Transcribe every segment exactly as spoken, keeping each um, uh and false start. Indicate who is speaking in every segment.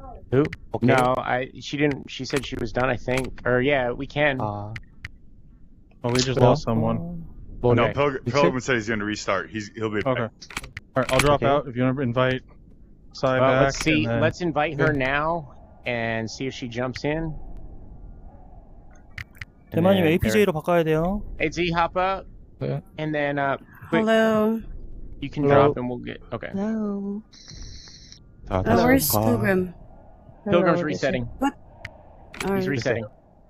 Speaker 1: Who?
Speaker 2: Okay.
Speaker 1: No, I. She didn't. She said she was done. I think. Or yeah, we can.
Speaker 2: Uh,
Speaker 3: Oh, we just
Speaker 4: No.
Speaker 3: lost someone.
Speaker 1: Okay.
Speaker 5: No, Pilgrim,
Speaker 4: You
Speaker 5: Pilgrim said he's going to restart. He's he'll be back.
Speaker 3: Okay. Alright, I'll drop
Speaker 2: Okay.
Speaker 3: out if you want to invite Sai
Speaker 1: Well,
Speaker 3: back.
Speaker 1: let's see.
Speaker 3: and then-
Speaker 1: Let's invite her
Speaker 3: Good.
Speaker 1: now and see if she jumps in. And
Speaker 4: 대만님
Speaker 1: then
Speaker 4: 에이피제이로 바꿔야 돼요.
Speaker 1: Hey Z, hop up.
Speaker 3: Yeah.
Speaker 1: And then uh, quick,
Speaker 6: Hello.
Speaker 1: you can
Speaker 3: Hello.
Speaker 1: drop and we'll get. Okay.
Speaker 6: Hello.
Speaker 2: 자,
Speaker 6: Oh,
Speaker 2: 다시
Speaker 6: where's
Speaker 2: 볼까?
Speaker 6: Pilgrim?
Speaker 1: Pilgrim's
Speaker 6: Hello,
Speaker 1: resetting.
Speaker 6: What?
Speaker 1: He's
Speaker 6: Alright.
Speaker 1: resetting.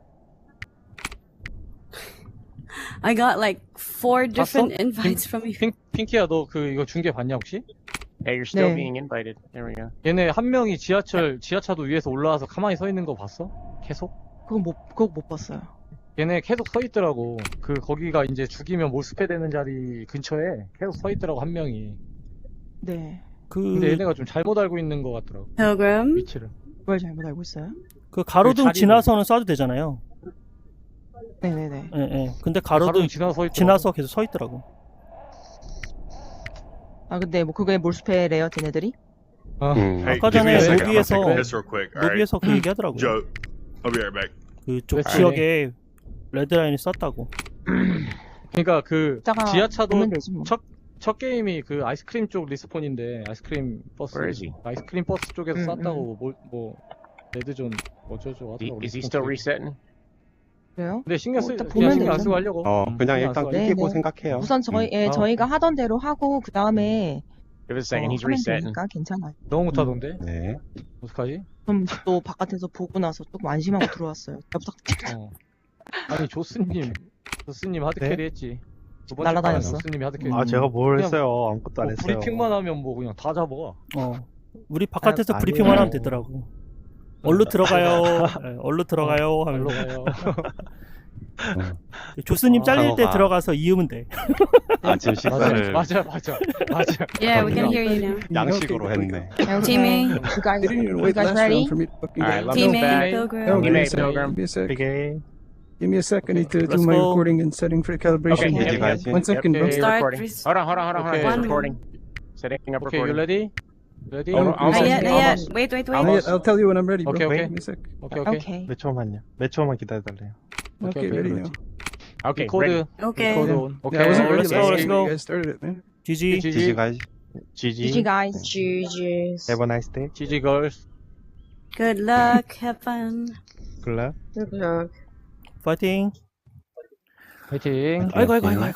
Speaker 6: I got like four different
Speaker 7: 봤어?
Speaker 6: invites from you.
Speaker 7: 핑, 핑키야 너 그 이거 중계 봤냐 혹시?
Speaker 1: Hey, you're still
Speaker 6: 네.
Speaker 1: being invited. There we go.
Speaker 7: 얘네 한 명이 지하철 지하차도 위에서 올라와서 가만히 서 있는 거 봤어? 계속?
Speaker 8: 그건 못, 그거 못 봤어요.
Speaker 7: 얘네 계속 서 있더라고. 그 거기가 이제 죽이면 몰수패 되는 자리 근처에 계속 서 있더라고 한 명이.
Speaker 8: 네.
Speaker 4: 그,
Speaker 7: 근데 얘네가 좀 잘못 알고 있는 것 같더라고.
Speaker 6: Pilgrim?
Speaker 7: 위치를.
Speaker 8: 뭘 잘못 알고 있어요?
Speaker 4: 그 가로등
Speaker 7: 그 자리를-
Speaker 4: 지나서는 쏴도 되잖아요.
Speaker 8: 네네네.
Speaker 4: 예, 예. 근데
Speaker 7: 가로등
Speaker 4: 가로등
Speaker 7: 지나서 서 있더라고.
Speaker 4: 지나서 계속 서 있더라고.
Speaker 8: 아 근데 뭐 그게 몰수패래요, 쟤네들이?
Speaker 7: 어.
Speaker 2: 음.
Speaker 1: 네.
Speaker 5: Hey,
Speaker 4: 아까
Speaker 5: give me
Speaker 4: 전에
Speaker 5: a second. I'm gonna
Speaker 4: 로비에서-
Speaker 5: take this real quick. All right.
Speaker 4: 로비에서 그 얘기하더라고요.
Speaker 5: Joe, I'll be right back.
Speaker 4: 그쪽
Speaker 7: 그치.
Speaker 4: 지역에 레드라인이 쐈다고.
Speaker 7: 그러니까 그
Speaker 8: 이따가
Speaker 7: 지하차도
Speaker 8: 보면 되지 뭐.
Speaker 7: 첫, 첫 게임이 그 아이스크림 쪽 리스폰인데 아이스크림 버스
Speaker 1: Where is he?
Speaker 7: 아이스크림 버스 쪽에서
Speaker 8: 음,
Speaker 7: 쐈다고 뭐, 뭐 레드존 어쩌고
Speaker 1: Is he,
Speaker 7: 하더라고.
Speaker 1: is he
Speaker 7: 리스폰
Speaker 1: still
Speaker 7: 쪽에.
Speaker 1: resetting?
Speaker 8: 그래요?
Speaker 7: 근데 신경
Speaker 8: 어,
Speaker 7: 쓰
Speaker 8: 일단
Speaker 7: 그냥
Speaker 8: 보면
Speaker 7: 신경 안
Speaker 8: 되죠.
Speaker 7: 쓰고 하려고.
Speaker 2: 어,
Speaker 7: 음,
Speaker 2: 그냥
Speaker 7: 신경 안
Speaker 2: 일단
Speaker 7: 쓰고
Speaker 8: 네,
Speaker 2: 끊기고
Speaker 8: 네.
Speaker 2: 생각해요.
Speaker 8: 우선 저희, 예,
Speaker 7: 아,
Speaker 8: 저희가 하던 대로 하고 그 다음에
Speaker 1: Give it a second.
Speaker 8: 어,
Speaker 1: He's
Speaker 8: 하면
Speaker 1: resetting.
Speaker 8: 되니까 괜찮아요.
Speaker 7: 너무 못하던데?
Speaker 2: 네.
Speaker 7: 어떡하지?
Speaker 8: 그럼 또 바깥에서 보고 나서 조금 안심하고 들어왔어요. 잘 부탁드립니다.
Speaker 7: 어. 아니 조스님 조스님 하드캐리
Speaker 3: 네?
Speaker 7: 했지. 두 번째
Speaker 8: 날라다녔어.
Speaker 7: 판에 조스님이 하드캐리.
Speaker 3: 아, 제가 뭘
Speaker 7: 그냥
Speaker 3: 했어요? 아무것도 안
Speaker 7: 뭐
Speaker 3: 했어요.
Speaker 7: 브리핑만 하면 뭐 그냥 다 잡아.
Speaker 4: 어. 우리 바깥에서
Speaker 3: 아,
Speaker 4: 브리핑만
Speaker 3: 아니에요.
Speaker 4: 하면 되더라고. 얼른 들어가요. 예, 얼른 들어가요.
Speaker 7: 말로
Speaker 4: 하면서.
Speaker 7: 가요.
Speaker 4: 조스님
Speaker 7: 어,
Speaker 4: 잘릴 때
Speaker 2: 상어가-
Speaker 4: 들어가서 이으면 돼.
Speaker 2: 아침 식사를
Speaker 7: 맞아 맞아 맞아.
Speaker 6: Yeah, we can hear you now.
Speaker 2: 양식으로 했네.
Speaker 6: Teaming.
Speaker 8: You guys,
Speaker 9: Didn't even
Speaker 8: you
Speaker 9: wait
Speaker 8: guys
Speaker 9: last
Speaker 8: ready?
Speaker 9: round for me to fucking
Speaker 1: Alright,
Speaker 9: get
Speaker 1: let's
Speaker 9: it.
Speaker 6: Teaming,
Speaker 1: back.
Speaker 6: Pilgrim.
Speaker 9: Oh,
Speaker 1: You
Speaker 9: give me
Speaker 1: may
Speaker 9: a second.
Speaker 1: Pilgrim.
Speaker 9: Give me a sec.
Speaker 3: 되게
Speaker 9: Give me a sec. I need to
Speaker 4: Let's
Speaker 9: do my
Speaker 4: go.
Speaker 9: recording and setting for calibration.
Speaker 1: Okay.
Speaker 2: 이제
Speaker 1: Yep,
Speaker 2: 가야지.
Speaker 9: One second, bro.
Speaker 1: Yep,
Speaker 6: Start
Speaker 1: recording.
Speaker 6: res-
Speaker 1: Hold on, hold on, hold on, hold on.
Speaker 7: Okay.
Speaker 1: It's
Speaker 6: One
Speaker 1: recording. Setting up
Speaker 7: 오케이, you
Speaker 1: recording.
Speaker 7: ready? Ready?
Speaker 9: Oh,
Speaker 1: Almost-
Speaker 6: Not
Speaker 9: almost-
Speaker 6: yet, not yet.
Speaker 9: almost.
Speaker 6: Wait, wait,
Speaker 9: Not
Speaker 6: wait.
Speaker 9: yet. I'll tell you when I'm ready, bro.
Speaker 7: Okay, okay.
Speaker 9: Give me a sec.
Speaker 7: 오케이 오케이.
Speaker 8: 오케이.
Speaker 3: 몇 초만요. 몇 초만 기다려달래요.
Speaker 9: Okay,
Speaker 7: okay,
Speaker 9: ready
Speaker 7: ready.
Speaker 9: now.
Speaker 1: Okay,
Speaker 7: 코드
Speaker 1: ready.
Speaker 6: Okay.
Speaker 7: 코드
Speaker 9: Yeah.
Speaker 7: 온.
Speaker 9: Yeah, I
Speaker 7: 오케이.
Speaker 9: wasn't ready
Speaker 4: let's
Speaker 9: last
Speaker 4: go, let's
Speaker 9: time
Speaker 4: go.
Speaker 9: you guys started it, man.
Speaker 4: 지지.
Speaker 2: 지지 가야지.
Speaker 3: 지지.
Speaker 8: G G guys.
Speaker 6: Juju's.
Speaker 3: Have a nice day.
Speaker 7: 지지 걸스.
Speaker 6: Good luck. Have fun.
Speaker 3: 글라.
Speaker 6: Good luck.
Speaker 4: 파이팅.
Speaker 7: 파이팅.
Speaker 4: 아이고 아이고 아이고 아이고.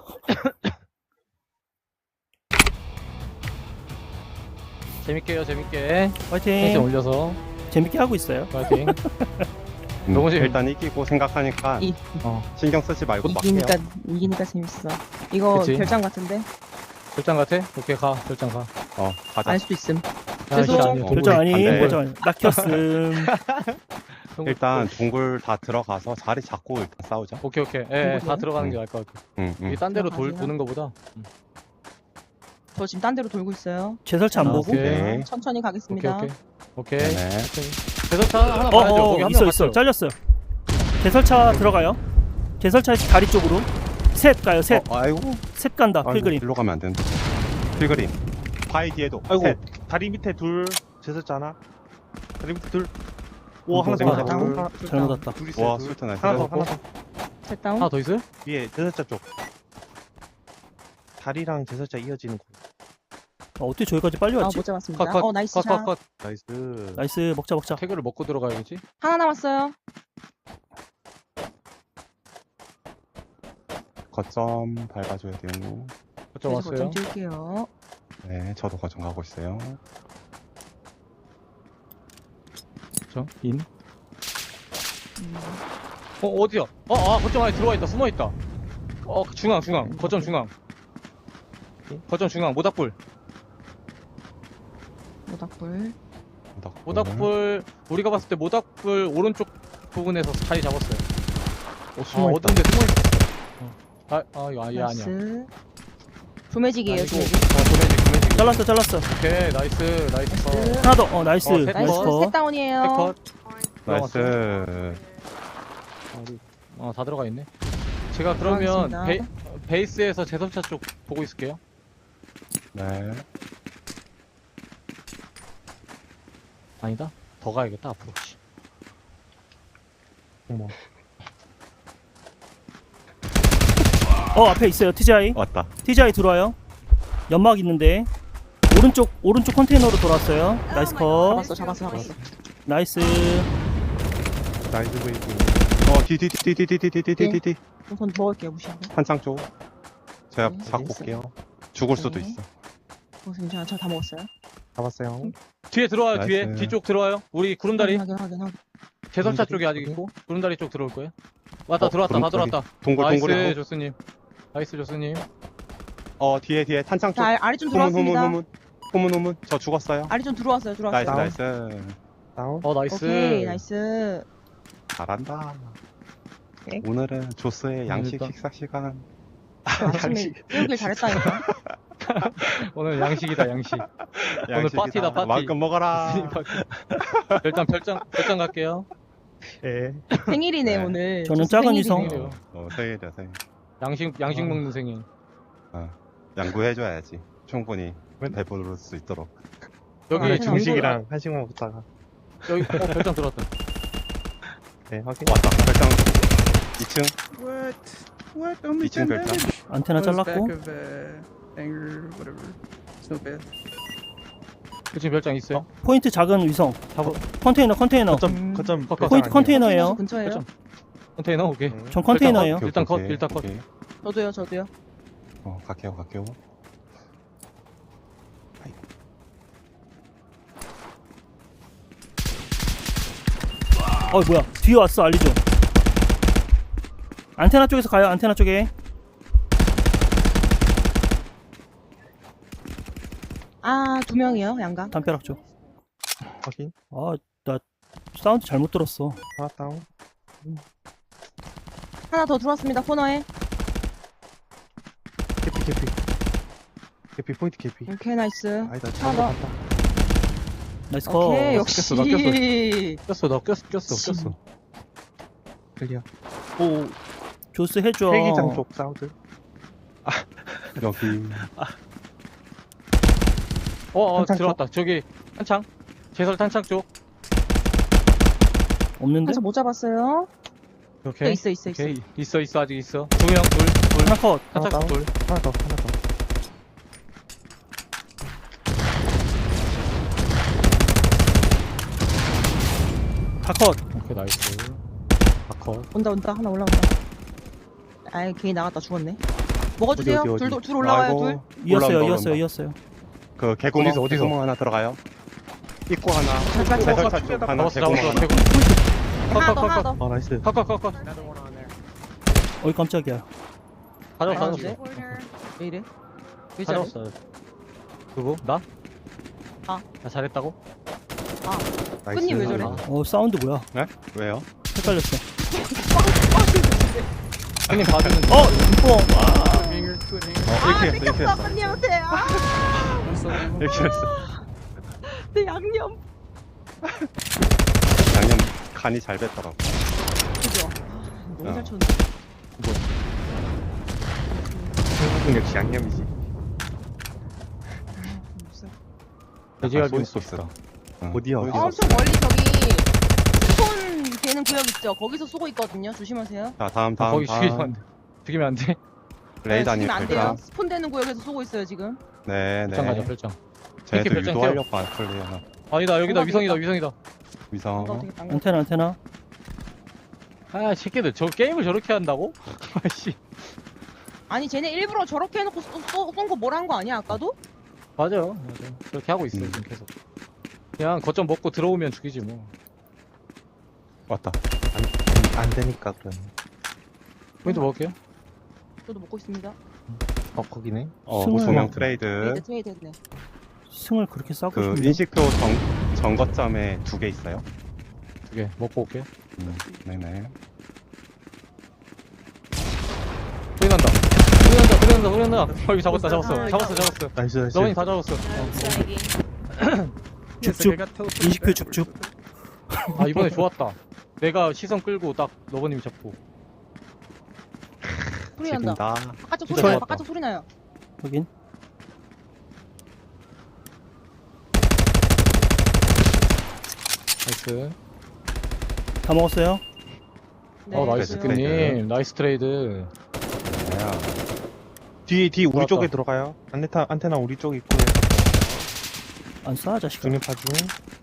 Speaker 7: 재밌게요 재밌게. 텐션
Speaker 4: 파이팅.
Speaker 7: 올려서
Speaker 4: 재밌게 하고 있어요.
Speaker 7: 파이팅.
Speaker 2: 음,
Speaker 7: 너무 재밌-
Speaker 2: 일단 이기고 생각하니까
Speaker 8: 이,
Speaker 7: 어.
Speaker 2: 신경 쓰지 말고 막 해요.
Speaker 8: 이기니까, 이기니까 재밌어. 이거
Speaker 7: 그치.
Speaker 8: 결장 같은데?
Speaker 7: 결장 같아? 오케이 가 결장 가.
Speaker 2: 어, 가자.
Speaker 8: 알 수도 있음.
Speaker 7: 아,
Speaker 8: 죄송.
Speaker 7: 진짜 아니에요.
Speaker 4: 결정 아니.
Speaker 2: 안 돼.
Speaker 4: 결정 아니. 낙혔음.
Speaker 7: 동굴-
Speaker 2: 일단 동굴 다 들어가서 자리 잡고 일단 싸우자.
Speaker 7: 오케이 오케이. 예, 예, 다
Speaker 8: 동굴이요?
Speaker 7: 들어가는 게 나을 것 같아.
Speaker 2: 응, 응.
Speaker 7: 이게 딴 데로 돌,
Speaker 8: 들어가세요.
Speaker 7: 도는 거보다.
Speaker 8: 저 지금 딴 데로 돌고 있어요.
Speaker 4: 재설치 안
Speaker 7: 아,
Speaker 4: 보고.
Speaker 7: 오케이.
Speaker 2: 네.
Speaker 8: 천천히
Speaker 7: 오케이
Speaker 8: 가겠습니다.
Speaker 7: 오케이. 오케이.
Speaker 2: 네.
Speaker 7: 대설차 하나
Speaker 4: 어,
Speaker 7: 봐야죠.
Speaker 4: 어,
Speaker 7: 거기 한
Speaker 4: 있어
Speaker 7: 명
Speaker 4: 있어.
Speaker 7: 갔어요.
Speaker 4: 잘렸어요. 재설차 들어가요. 재설차에서 다리 쪽으로. 셋 가요. 셋.
Speaker 2: 어, 아이고.
Speaker 4: 셋 간다.
Speaker 2: 아이고,
Speaker 4: 필그림.
Speaker 2: 일로 가면 안 되는데. 필그림. 바위 뒤에도.
Speaker 3: 아이고.
Speaker 2: 셋.
Speaker 3: 다리 밑에 둘 제섰잖아. 다리 밑에 둘. 오,
Speaker 4: 어,
Speaker 3: 하나 더.
Speaker 8: 잘못
Speaker 3: 하나
Speaker 8: 왔다.
Speaker 3: 더.
Speaker 4: 잘못 왔다.
Speaker 3: 둘 있어요.
Speaker 2: 와,
Speaker 3: 둘.
Speaker 2: 술탄 나이스.
Speaker 3: 하나 더, 하나 더.
Speaker 8: 셋 다운.
Speaker 7: 하나 더 있어요?
Speaker 3: 위에 제설자 쪽. 다리랑 제설자 이어지는 곳.
Speaker 4: 아, 어떻게 저기까지 빨리
Speaker 8: 아,
Speaker 4: 왔지?
Speaker 8: 못 잡았습니다.
Speaker 7: 컷, 컷,
Speaker 8: 어, 나이스
Speaker 7: 컷,
Speaker 8: 샷.
Speaker 7: 컷, 컷.
Speaker 2: 나이스.
Speaker 4: 나이스. 먹자 먹자.
Speaker 7: 태그를 먹고 들어가야겠지?
Speaker 8: 하나 남았어요.
Speaker 2: 거점 밟아줘야 돼요.
Speaker 7: 거점
Speaker 8: 그래서
Speaker 7: 왔어요.
Speaker 8: 거점 뛸게요.
Speaker 2: 네, 저도 거점 가고 있어요.
Speaker 7: 거점 인. 어 어디야? 어, 아 거점 안에 들어와 있다. 숨어 있다. 어 중앙 중앙. 거점 중앙. 거점 중앙 모닥불.
Speaker 8: 모닥불.
Speaker 2: 모닥불.
Speaker 7: 모닥불 우리가 봤을 때 모닥불 오른쪽 부분에서 자리 잡았어요.
Speaker 3: 오,
Speaker 7: 아
Speaker 3: 숨어 있다.
Speaker 7: 어딘데 숨어 있어. 아, 아 이거 아예 아니야.
Speaker 8: 나이스. 조매직이에요,
Speaker 7: 아니고,
Speaker 8: 조매직.
Speaker 7: 어, 도매직, 도매직.
Speaker 4: 잘랐어 잘랐어.
Speaker 7: 오케이, 나이스, 나이스. 컷.
Speaker 4: 하나 더. 어 나이스.
Speaker 7: 어, 셋
Speaker 4: 나이스
Speaker 8: 나이스.
Speaker 7: 컷.
Speaker 4: 컷.
Speaker 8: 셋 다운이에요.
Speaker 7: 컷.
Speaker 2: 나이스.
Speaker 7: 어, 우리- 어, 다 들어가 있네. 제가 그러면
Speaker 8: 들어가겠습니다.
Speaker 7: 베, 베이스에서 제설차 쪽 보고 있을게요.
Speaker 2: 네.
Speaker 7: 아니다. 더 가야겠다 앞으로. 씨. 어머.
Speaker 4: 어 앞에 있어요. 티지아이.
Speaker 2: 왔다.
Speaker 4: 티지아이 들어와요. 연막 있는데 오른쪽 오른쪽 컨테이너로 돌아왔어요. 나이스 컷.
Speaker 8: 잡았어, 잡았어, 잡았어.
Speaker 4: 나이스.
Speaker 3: 나이스 베이비.
Speaker 2: 어, 뒤, 뒤, 뒤, 뒤, 뒤, 뒤, 뒤, 뒤, 뒤, 뒤, 뒤.
Speaker 8: 우선 먹을게요, 무시하고.
Speaker 2: 한창 쪽. 제가
Speaker 8: 네,
Speaker 2: 잡고 올게요. 죽을 수도
Speaker 8: 네.
Speaker 2: 있어.
Speaker 8: 어, 괜찮아, 저 다 먹었어요.
Speaker 3: 잡았어요.
Speaker 7: 뒤에 들어와요.
Speaker 2: 나이스.
Speaker 7: 뒤에 뒤쪽 들어와요. 우리 구름다리
Speaker 8: 확인, 확인, 확인.
Speaker 7: 제설차
Speaker 3: 구름다리?
Speaker 7: 쪽에 아직 있고 구름다리 쪽 들어올 거예요. 왔다
Speaker 2: 어,
Speaker 7: 들어왔다 다
Speaker 2: 구름다리.
Speaker 7: 들어왔다.
Speaker 2: 동글,
Speaker 7: 나이스
Speaker 2: 동글이고.
Speaker 7: 조스님. 나이스 조스님.
Speaker 2: 어, 뒤에, 뒤에 탄창 쪽.
Speaker 8: 자, 아리 좀
Speaker 2: 후문, 후문,
Speaker 8: 들어왔습니다.
Speaker 2: 후문. 후문, 후문. 저 죽었어요.
Speaker 8: 아리 좀 들어왔어요, 들어왔어요.
Speaker 2: 나이스,
Speaker 3: 다운.
Speaker 2: 나이스.
Speaker 3: 다운.
Speaker 7: 어 나이스.
Speaker 8: 오케이, 나이스.
Speaker 2: 잘한다.
Speaker 8: 오케이.
Speaker 2: 오늘은 조스의 양식
Speaker 7: 오늘도-
Speaker 2: 식사 시간.
Speaker 8: 아침에 깨우길 잘했다니까.
Speaker 7: 오늘 양식이다 양식.
Speaker 2: 양식이다.
Speaker 7: 파티다, 파티.
Speaker 2: 마음껏 먹어라.
Speaker 7: 일단 별장 별장 갈게요.
Speaker 3: 예.
Speaker 8: 생일이네,
Speaker 2: 네.
Speaker 8: 오늘.
Speaker 4: 저는
Speaker 8: 조스
Speaker 4: 작은
Speaker 8: 생일이네.
Speaker 4: 이성.
Speaker 7: 생일이에요.
Speaker 2: 어, 생일이야, 생일.
Speaker 7: 양식 양식
Speaker 3: 아.
Speaker 7: 먹는 생일.
Speaker 2: 어, 양보해줘야지. 충분히 배부를 수 있도록.
Speaker 7: 여기
Speaker 8: 아,
Speaker 3: 아,
Speaker 8: 중식-
Speaker 3: 중식이랑 한식만 먹다가.
Speaker 7: 여기 어, 별장 들어왔다.
Speaker 3: 네, 확인.
Speaker 2: 왔다. 별장 이 층.
Speaker 9: What? What? Only
Speaker 2: 이층
Speaker 9: ten
Speaker 2: 별장.
Speaker 9: damage.
Speaker 4: 안테나
Speaker 9: I was
Speaker 4: 잘랐고.
Speaker 9: back of uh, anger, whatever. It's not bad.
Speaker 7: 그치 별장 있어요.
Speaker 4: 포인트 작은 위성.
Speaker 7: 잡아.
Speaker 4: 컨테이너 컨테이너.
Speaker 3: 거점, 거점.
Speaker 7: 포인트
Speaker 4: 포인트
Speaker 3: 별장
Speaker 4: 컨테이너예요.
Speaker 8: 근처에요.
Speaker 7: 별장. 컨테이너 오케이.
Speaker 3: 아니에요?
Speaker 4: 전 컨테이너예요.
Speaker 2: 오케이,
Speaker 7: 일단 컷,
Speaker 2: 오케이,
Speaker 7: 일단 컷.
Speaker 2: 오케이.
Speaker 8: 저도요, 저도요.
Speaker 2: 어, 갈게요, 갈게요.
Speaker 4: 어 뭐야? 뒤에 왔어 알리죠. 안테나 쪽에서 가요. 안테나 쪽에.
Speaker 8: 아, 두 명이요, 양가.
Speaker 4: 담벼락 쪽.
Speaker 3: 확인.
Speaker 4: 아 나 사운드 잘못 들었어.
Speaker 3: 하나 다운.
Speaker 8: 하나 더 들어왔습니다, 코너에.
Speaker 3: 개피, 개피. 개피, 포인트 개피.
Speaker 8: 오케이, 나이스.
Speaker 3: 아니다,
Speaker 8: 하나
Speaker 3: 잘못
Speaker 8: 더.
Speaker 3: 봤다.
Speaker 4: 나이스 컷.
Speaker 8: 오케이, 역시.
Speaker 7: 꼈어, 나 꼈어, 나 꼈어, 꼈어, 꼈어.
Speaker 3: 클리어.
Speaker 7: 오,
Speaker 4: 조스 해줘.
Speaker 3: 헬기장 쪽 사운드.
Speaker 2: 여기.
Speaker 7: 어, 어
Speaker 3: 탄창
Speaker 7: 들어왔다. 저기 탄창. 제설 탄창 쪽.
Speaker 4: 없는데?
Speaker 8: 한참 못 잡았어요.
Speaker 7: 오케이.
Speaker 8: 있어, 있어, 있어.
Speaker 7: 오케이. 있어, 있어, 아직 있어. 두 명, 둘, 둘.
Speaker 4: 하나 컷.
Speaker 3: 하나
Speaker 7: 탄창
Speaker 3: 다운.
Speaker 7: 둘.
Speaker 3: 하나 더, 하나 더.
Speaker 4: 다 컷.
Speaker 7: 오케이, 나이스. 아컷.
Speaker 8: 온다, 온다. 하나 올라온다. 아이, 괜히 나갔다 죽었네. 먹어주세요.
Speaker 3: 어디, 어디, 어디?
Speaker 8: 둘, 둘 올라와요,
Speaker 2: 아이고,
Speaker 8: 둘.
Speaker 4: 이었어요.
Speaker 2: 올라온다,
Speaker 4: 이었어요.
Speaker 2: 올라온다.
Speaker 4: 이었어요.
Speaker 2: 그 개구멍,
Speaker 7: 어디서, 어디서?
Speaker 2: 개구멍 하나 들어가요. 입구 하나.
Speaker 8: 잠깐, 잠깐.
Speaker 2: 제설차 쪽 하나,
Speaker 7: 잡았어,
Speaker 2: 개구멍
Speaker 7: 잡았어.
Speaker 2: 하나.
Speaker 7: 개구.
Speaker 8: 하나 더,
Speaker 7: 컷,
Speaker 8: 하나
Speaker 7: 컷,
Speaker 8: 더.
Speaker 3: 아, 나이스.
Speaker 7: 컷, 컷, 컷, 컷.
Speaker 4: 어이 깜짝이야.
Speaker 7: 다 잡았어, 다
Speaker 8: 아,
Speaker 7: 잡았어.
Speaker 8: 네? 왜 이래? 왜
Speaker 7: 다
Speaker 8: 저래?
Speaker 7: 잡았어. 누구? 나?
Speaker 8: 아.
Speaker 7: 나 잘했다고?
Speaker 3: 나이스.
Speaker 8: 끝님 왜 저래?
Speaker 7: 아.
Speaker 4: 어 사운드 뭐야?
Speaker 2: 네? 왜요?
Speaker 4: 헷갈렸어.
Speaker 7: 형님 봐주는.
Speaker 4: 어 인뽕.
Speaker 9: Anger, good anger.
Speaker 2: 어,
Speaker 8: 아,
Speaker 2: 이렇게 했어, 이렇게
Speaker 8: 뺏겼어,
Speaker 2: 했어.
Speaker 8: 끝님한테. 아,
Speaker 9: One solo.
Speaker 2: 이렇게 했어.
Speaker 8: 내 양념.
Speaker 2: 양념 간이 잘 뱄더라고.
Speaker 8: 그죠? 너무
Speaker 2: 어.
Speaker 8: 잘 쳤는데.
Speaker 3: 한국 역시 양념이지.
Speaker 7: 돼지갈비
Speaker 2: 소스
Speaker 7: 먹고
Speaker 2: 소스.
Speaker 7: 싶다.
Speaker 2: 응.
Speaker 3: 어디야,
Speaker 2: 소스
Speaker 3: 어디야?
Speaker 2: 소스.
Speaker 8: 엄청 멀리 저기 스폰 되는 구역 있죠? 거기서 쏘고 있거든요. 조심하세요.
Speaker 2: 자, 다음,
Speaker 7: 아,
Speaker 2: 다음,
Speaker 7: 거기 죽이면 안
Speaker 2: 다음.
Speaker 7: 돼. 죽이면 안 돼.
Speaker 2: 레이더
Speaker 8: 네,
Speaker 2: 아니면
Speaker 8: 죽이면 안
Speaker 2: 별장.
Speaker 8: 돼요. 스폰 되는 구역에서 쏘고 있어요 지금.
Speaker 2: 네,
Speaker 7: 별장 가자,
Speaker 2: 네.
Speaker 7: 별장.
Speaker 2: 쟤도
Speaker 7: 이렇게 별장
Speaker 2: 유도하려고 안 풀려나.
Speaker 7: 아니다, 여기다,
Speaker 8: 뭔가
Speaker 7: 위성이다,
Speaker 8: 되겠다.
Speaker 7: 위성이다.
Speaker 2: 위성.
Speaker 8: 뭔가 어떻게 딴 거.
Speaker 4: 안테나 안테나.
Speaker 7: 아, 새끼들, 저 게임을 저렇게 한다고? 아씨.
Speaker 8: 아니 쟤네 일부러 저렇게 해놓고 쏜 거 뭐라 한 거 아니야 아까도?
Speaker 7: 맞아요. 맞아요. 저렇게 하고 있어요,
Speaker 2: 음.
Speaker 7: 지금 계속. 그냥 거점 먹고 들어오면 죽이지 뭐.
Speaker 2: 왔다.
Speaker 3: 안 되니까, 그럼.
Speaker 7: 포인트 먹을게요.
Speaker 8: 저도 먹고 있습니다.
Speaker 3: 어, 거기네.
Speaker 2: 어,
Speaker 4: 승을
Speaker 2: 소명
Speaker 4: 먹-
Speaker 2: 트레이드.
Speaker 8: 트레이드 트레이드 했네.
Speaker 4: 승을 그렇게 싸고
Speaker 2: 그
Speaker 4: 싶네.
Speaker 2: 인식표 정, 정거점에 두 개 있어요.
Speaker 7: 두 개 먹고 올게요.
Speaker 2: 음, 네네.
Speaker 7: 소리 난다. 소리 난다, 소리 난다, 소리 난다. 어, 여기 잡았다, 잡았어. 잡았어, 잡았어.
Speaker 3: 나이스, 나이스.
Speaker 7: 너머니 다 잡았어.
Speaker 4: 줍줍. 인식표 줍줍.
Speaker 7: 아, 이번에 좋았다. 내가 시선 끌고 딱 너버님이 잡고.
Speaker 8: 소리 난다.
Speaker 2: 지금다.
Speaker 8: 바깥쪽
Speaker 7: 진짜
Speaker 8: 소리 나요.
Speaker 7: 좋았다.
Speaker 8: 바깥쪽 소리 나요.
Speaker 4: 확인.
Speaker 7: 나이스.
Speaker 4: 다 먹었어요.
Speaker 8: 네,
Speaker 7: 어 나이스
Speaker 2: 그래요.
Speaker 7: 님 나이스 트레이드.
Speaker 2: 야,
Speaker 3: 뒤, 뒤 우리
Speaker 7: 들어왔다.
Speaker 3: 쪽에 들어가요. 안테나, 안테나 우리 쪽 있고.
Speaker 4: 안 쏴, 자식아.
Speaker 3: 중립파 중.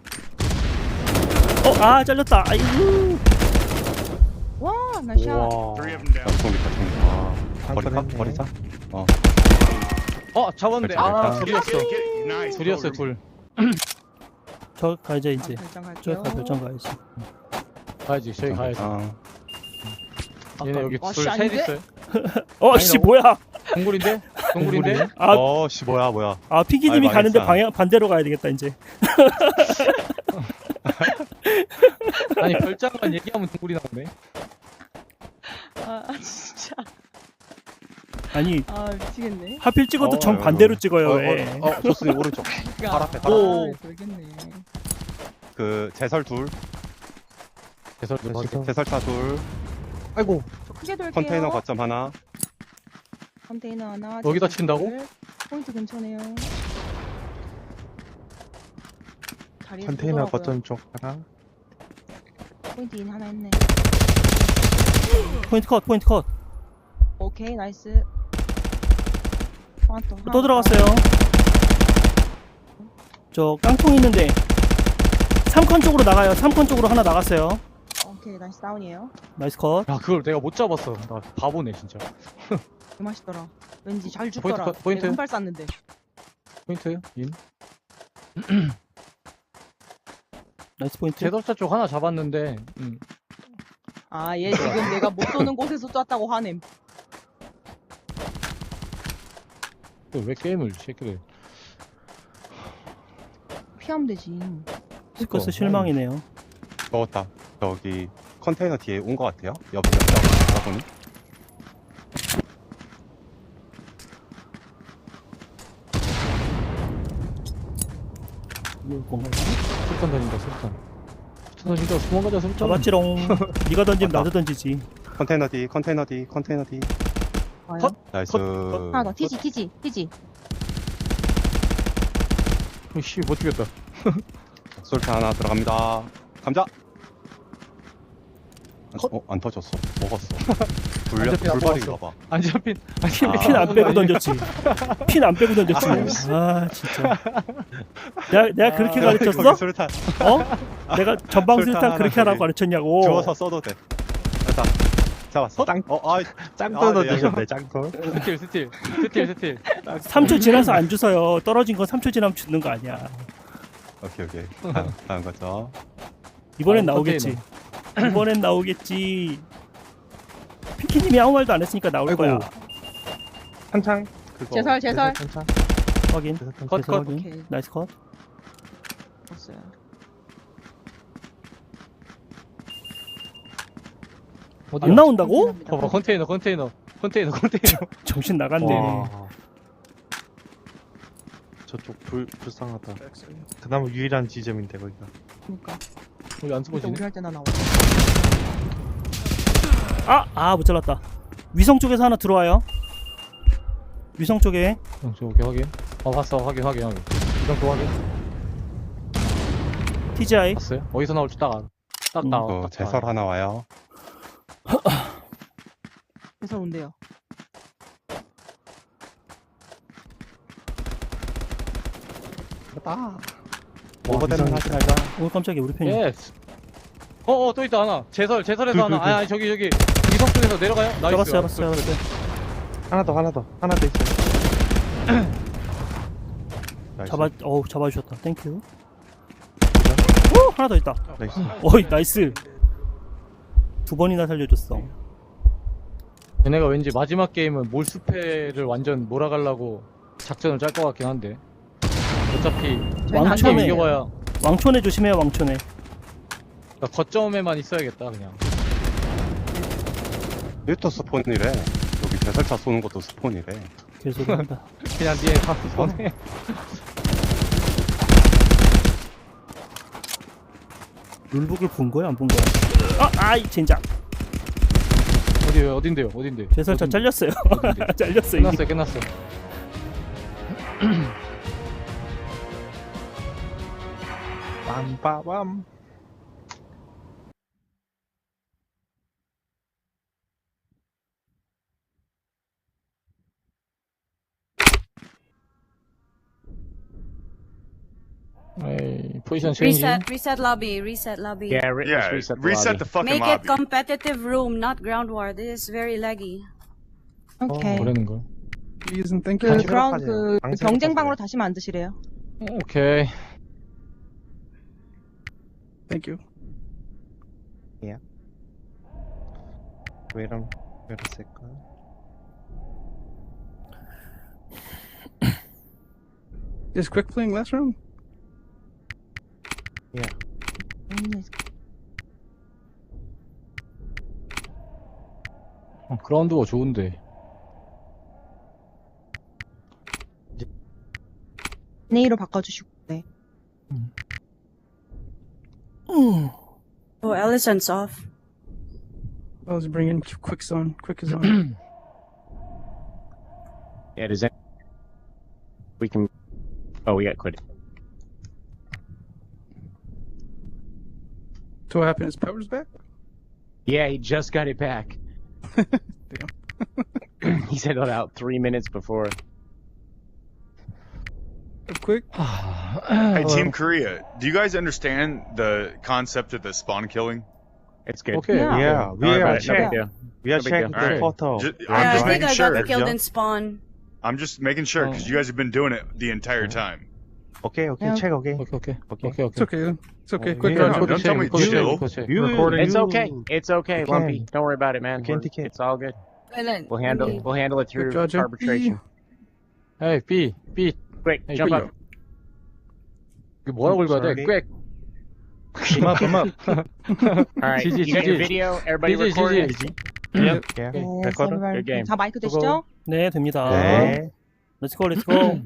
Speaker 4: 어, 아, 잘렸다. 아이고.
Speaker 8: 와, 나이스 샷.
Speaker 3: 와.
Speaker 5: Three of them down.
Speaker 2: 중립파 중립파. 버릴까?
Speaker 3: 한건 했네.
Speaker 2: 버리자. 어.
Speaker 7: 어 잡았는데
Speaker 2: 그렇죠,
Speaker 7: 아
Speaker 2: 그렇죠.
Speaker 7: 둘이었어.
Speaker 5: Get, get, nice.
Speaker 7: 둘이었어요 둘.
Speaker 4: 저 가야지, 이제.
Speaker 8: 결정
Speaker 4: 저
Speaker 8: 갈게요.
Speaker 4: 가, 결정 가야지.
Speaker 7: 가야지 저희 가야지.
Speaker 2: 아,
Speaker 7: 얘네 여기
Speaker 8: 와,
Speaker 7: 둘
Speaker 8: 씨,
Speaker 7: 셋
Speaker 8: 아닌데?
Speaker 7: 있어요.
Speaker 4: 어,
Speaker 7: 아니,
Speaker 4: 씨,
Speaker 7: 나-
Speaker 4: 뭐야.
Speaker 7: 동굴인데? 동굴인데?
Speaker 4: 아,
Speaker 2: 어, 씨, 뭐야, 뭐야.
Speaker 4: 아, 피기님이
Speaker 2: 아이,
Speaker 4: 가는데
Speaker 2: 망했다.
Speaker 4: 방향, 반대로 가야 되겠다, 이제.
Speaker 7: 아니 별장만 얘기하면 동굴이 나오네.
Speaker 8: 아, 진짜.
Speaker 4: 아니,
Speaker 8: 아, 미치겠네.
Speaker 4: 하필 찍어도
Speaker 2: 어,
Speaker 4: 정
Speaker 2: 어,
Speaker 4: 반대로
Speaker 2: 어.
Speaker 4: 찍어요,
Speaker 2: 어,
Speaker 4: 왜.
Speaker 2: 어, 어, 좋습니다. 오른쪽.
Speaker 8: 야,
Speaker 2: 발 앞에,
Speaker 8: 아,
Speaker 2: 발
Speaker 7: 앞에.
Speaker 8: 돌겠네.
Speaker 2: 그, 제설 둘.
Speaker 7: 개설
Speaker 3: 제설.
Speaker 7: 확인.
Speaker 2: 제설차 둘.
Speaker 3: 아이고.
Speaker 8: 저 크게 돌게요.
Speaker 2: 컨테이너 거점 하나.
Speaker 8: 컨테이너 하나.
Speaker 7: 여기다
Speaker 8: 제설
Speaker 7: 친다고?
Speaker 8: 둘. 포인트 근처네요. 자리에서
Speaker 3: 컨테이너
Speaker 8: 쏘더라고요.
Speaker 3: 거점 쪽 하나.
Speaker 8: 포인트 인 하나 했네.
Speaker 4: 포인트 컷, 포인트 컷.
Speaker 8: 오케이, 나이스. 하나 또, 하나
Speaker 4: 또 들어갔어요. 저 깡통 있는데. 삼 컨 쪽으로 나가요. 삼 컨 쪽으로 하나 나갔어요.
Speaker 8: 오케이, 나이스 다운이에요.
Speaker 4: 나이스 컷.
Speaker 7: 야 그걸 내가 못 잡았어. 나 바보네 진짜.
Speaker 8: 개 맛있더라. 왠지 잘 죽더라.
Speaker 7: 포인트, 포인트.
Speaker 8: 내가 한발 쐈는데.
Speaker 7: 포인트 인.
Speaker 4: 나이스 포인트.
Speaker 7: 제설차 쪽 하나 잡았는데. 음.
Speaker 8: 아, 얘 지금 내가 못 쏘는 곳에서 쐈다고 화냄.
Speaker 7: 또왜 게임을 새끼를.
Speaker 8: 피하면 되지.
Speaker 4: 스커스 실망이네요.
Speaker 2: 먹었다. 저기, 컨테이너 뒤에 온 것 같아요. 옆, 옆, 옆, 가보니.
Speaker 4: 이거 뭔가
Speaker 7: 술탄 던진다 술탄. 술탄 던진다 도망가자 술탄.
Speaker 4: 잡았지롱. 네가 던지면 나도 던지지.
Speaker 2: 컨테이너 뒤, 컨테이너 뒤, 컨테이너 뒤.
Speaker 8: 와요.
Speaker 7: 컷.
Speaker 2: 나이스.
Speaker 8: 하나 더. 티지, 티지, 티지.
Speaker 7: 씨 못 죽였다.
Speaker 2: 솔트 하나 들어갑니다. 감자. 어, 안 터졌어. 먹었어. 불려,
Speaker 7: 안 잡힌 안
Speaker 2: 불발인가 봐.
Speaker 7: 안 잡힌. 안
Speaker 2: 아.
Speaker 7: 잡힌.
Speaker 4: 핀 안 빼고 던졌지. 핀 안 빼고 던졌지. 아, 진짜. 내가, 내가 그렇게 가르쳤어?
Speaker 2: 거기 솔트
Speaker 4: 어? 내가 전방
Speaker 2: 설탕
Speaker 4: 술탄
Speaker 2: 하나
Speaker 4: 그렇게
Speaker 2: 거기
Speaker 4: 하라고 가르쳤냐고.
Speaker 2: 주워서 써도 돼. 됐다. 잡았어.
Speaker 3: 짱-
Speaker 2: 어, 아,
Speaker 3: 짱돌
Speaker 2: 아, 네,
Speaker 3: 넣으셨네, 짱돌.
Speaker 7: 스틸 스틸 스틸 스틸.
Speaker 4: 삼 초 지나서 안 주서요. 떨어진 건 삼 초 지나면 죽는 거 아니야.
Speaker 2: 오케이, 오케이. 다음, 다음 거죠.
Speaker 4: 이번엔
Speaker 7: 아,
Speaker 4: 나오겠지. 이번엔 나오겠지. 피키님이 아무 말도 안 했으니까 나올
Speaker 3: 아이고.
Speaker 4: 거야.
Speaker 3: 한창. 그거.
Speaker 8: 제설, 제설.
Speaker 3: 한창.
Speaker 4: 확인.
Speaker 3: 제설 한창.
Speaker 7: 컷,
Speaker 4: 그래서
Speaker 7: 컷.
Speaker 4: 확인.
Speaker 8: 오케이.
Speaker 4: 나이스 컷.
Speaker 8: 봤어요.
Speaker 7: 어디야?
Speaker 4: 안 나온다고?
Speaker 8: 감사합니다.
Speaker 7: 봐봐 컨테이너 컨테이너 컨테이너 컨테이너.
Speaker 4: 정신 나갔네.
Speaker 3: 와. 저쪽 불, 불쌍하다. 그나마 유일한 지점인데, 거기가.
Speaker 8: 그러니까.
Speaker 7: 우리 안
Speaker 8: 진짜
Speaker 7: 숨어지네.
Speaker 8: 우리 할 때나 나와.
Speaker 4: 아, 아, 못 잘랐다. 위성 쪽에서 하나 들어와요. 위성 쪽에.
Speaker 7: 어, 저 오케이 확인. 어 봤어 확인 확인 확인. 이정 도 확인.
Speaker 4: 티지아이.
Speaker 7: 봤어요? 어디서 나올지 딱 알아. 딱
Speaker 4: 음.
Speaker 7: 나와.
Speaker 2: 어,
Speaker 7: 딱
Speaker 2: 제설
Speaker 7: 나와.
Speaker 2: 하나 와요.
Speaker 8: 그래서 온대요.
Speaker 2: 됐다.
Speaker 3: 와,
Speaker 2: 오버되면
Speaker 3: 이상하다.
Speaker 2: 하지 말자.
Speaker 4: 오, 깜짝이야. 우리 편이.
Speaker 7: 예스. 어어 또 있다 하나. 제설 제설에서
Speaker 3: 둘,
Speaker 7: 하나.
Speaker 3: 둘, 둘.
Speaker 7: 아니 아니 저기 저기 위성 쪽에서 내려가요. 나이스.
Speaker 4: 잡았어, 잡았어, 잡았어.
Speaker 3: 하나 더, 하나 더. 하나 더 있어요.
Speaker 2: 나이스.
Speaker 4: 잡아, 어우, 잡아주셨다. 땡큐. 오, 하나 더 있다.
Speaker 3: 나이스.
Speaker 4: 어이, 나이스. 두 번이나 살려줬어.
Speaker 7: 얘네가 왠지 마지막 게임은 몰수패를 완전 몰아가려고 작전을 짤 것 같긴 한데. 어차피
Speaker 8: 저희는 안
Speaker 7: 한 게임
Speaker 4: 왕천에.
Speaker 7: 이겨봐야
Speaker 4: 왕촌에 조심해요, 왕촌에.
Speaker 7: 그러니까 거점에만 있어야겠다 그냥.
Speaker 2: 일도 스폰이래. 여기 제설차 쏘는 것도 스폰이래.
Speaker 4: 계속 한다.
Speaker 7: 그냥 니네 다 보내.
Speaker 4: 룰북을 본 거야, 안 본 거야? 아, 아이, 젠장.
Speaker 7: 어디 어딘데요? 어딘데?
Speaker 4: 제설차
Speaker 7: 어딘데?
Speaker 4: 잘렸어요.
Speaker 7: 어딘데?
Speaker 4: 잘렸어, 이미.
Speaker 7: 끝났어요 끝났어.
Speaker 3: 빰빠밤.
Speaker 7: 에이, 포지션 체인지.
Speaker 6: Reset, reset lobby, reset lobby.
Speaker 1: Yeah, re-
Speaker 5: Yeah,
Speaker 1: just reset the
Speaker 5: reset
Speaker 1: lobby.
Speaker 5: the fucking
Speaker 6: Make it
Speaker 5: lobby.
Speaker 6: competitive room, not ground war. This is very laggy.
Speaker 8: 오케이.
Speaker 7: 뭐라는 거?
Speaker 9: Please and thank
Speaker 8: 그
Speaker 9: you.
Speaker 3: 다시
Speaker 8: 그라운드
Speaker 3: 생각하세요.
Speaker 8: 그
Speaker 3: 방금
Speaker 8: 경쟁방으로
Speaker 3: 생각하세요.
Speaker 8: 다시 만드시래요.
Speaker 7: 오케이.
Speaker 9: Thank you.
Speaker 2: 왜 이런 왜 이랬을까?
Speaker 9: Is quick playing last round?
Speaker 8: 음,
Speaker 7: 어, 그라운드가 좋은데.
Speaker 8: 네이로 바꿔주시고. 네.
Speaker 6: Oh, Allison's off.
Speaker 9: I was bringing quick zone. Quick is on.
Speaker 1: Yeah, does that... We can... Oh, we got quit.
Speaker 9: So what happened? His power's back?
Speaker 1: Yeah, he just got it back. He said it out three minutes before.
Speaker 9: Up quick.
Speaker 5: Hey, Team Korea, do you guys understand the concept of the spawn killing?
Speaker 1: It's good.
Speaker 7: 오케이.
Speaker 8: Yeah.
Speaker 3: Yeah, we
Speaker 1: Don't worry
Speaker 3: are
Speaker 1: about it. No
Speaker 3: check.
Speaker 1: big deal.
Speaker 3: We are
Speaker 1: No big
Speaker 3: check
Speaker 1: deal.
Speaker 3: the
Speaker 5: Alright.
Speaker 3: photo.
Speaker 5: Ju-
Speaker 3: We
Speaker 5: I'm
Speaker 6: Yeah,
Speaker 3: are
Speaker 6: I
Speaker 5: just
Speaker 6: think
Speaker 5: making
Speaker 6: I
Speaker 5: sure.
Speaker 6: got killed
Speaker 3: Yeah.
Speaker 6: in spawn.
Speaker 5: I'm just making sure because you guys have been doing it the entire time.
Speaker 3: Okay, okay,
Speaker 8: Yeah.
Speaker 3: check. Okay.
Speaker 7: 오케이, 오케이.
Speaker 3: Okay.
Speaker 7: 오케이,
Speaker 9: It's
Speaker 7: 오케이.
Speaker 9: okay. It's okay.
Speaker 3: Oh,
Speaker 9: Quick
Speaker 3: yeah.
Speaker 9: round.
Speaker 5: No, don't tell me
Speaker 7: 코드
Speaker 5: chill.
Speaker 7: 체크, 코드 체크.
Speaker 3: You-
Speaker 7: recording.
Speaker 1: It's okay. It's okay,
Speaker 3: You
Speaker 1: Lumpy.
Speaker 3: can.
Speaker 1: Don't worry about it, man.
Speaker 3: You can,
Speaker 1: We're-
Speaker 3: you can.
Speaker 1: It's all good.
Speaker 6: Silent.
Speaker 1: We'll handle.
Speaker 6: Okay.
Speaker 1: We'll handle it through
Speaker 9: Good job,
Speaker 1: arbitration.
Speaker 7: 에이, B, B.
Speaker 1: Quick,
Speaker 7: Hey,
Speaker 1: jump
Speaker 7: quick.
Speaker 1: up.
Speaker 7: 이게 뭐라고 읽어야 돼?
Speaker 3: Sorry.
Speaker 7: 꽥.
Speaker 3: Come up, come up.
Speaker 1: All right,
Speaker 7: 지지,
Speaker 1: you got your
Speaker 7: 지지.
Speaker 1: video. Everybody
Speaker 7: 지지,
Speaker 1: recording.
Speaker 7: 지지.
Speaker 3: Yep. Yeah.
Speaker 8: 네,
Speaker 3: Record.
Speaker 8: 서브라이브.
Speaker 1: Good game.
Speaker 8: 자, 마이크 되시죠?
Speaker 4: 네, 됩니다.
Speaker 3: 네.
Speaker 4: 렛츠고, 렛츠고.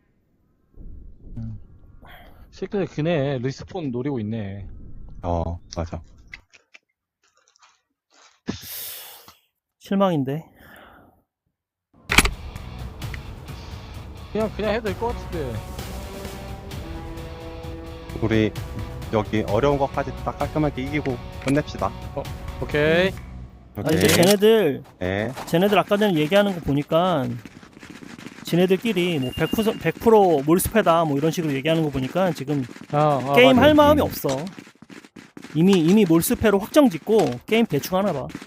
Speaker 7: 실제 그네 리스폰 노리고 있네.
Speaker 2: 어 맞아.
Speaker 4: 실망인데.
Speaker 7: 그냥 그냥 해도 될 것 같은데.
Speaker 2: 우리 여기 어려운 것까지 딱 깔끔하게 이기고 끝냅시다.
Speaker 7: 오케이.
Speaker 4: 아,
Speaker 2: 오케이.
Speaker 4: 이제 쟤네들,
Speaker 2: 네.
Speaker 4: 쟤네들 아까 전에 얘기하는 거 보니까, 쟤네들끼리 뭐 백 퍼센트, 백 퍼센트 몰스패다 뭐 이런 식으로 얘기하는 거 보니까 지금
Speaker 7: 아, 아,
Speaker 4: 게임
Speaker 7: 맞아.
Speaker 4: 할 마음이 없어. 이미, 이미 몰스패로 확정 짓고 게임 대충 하나 봐.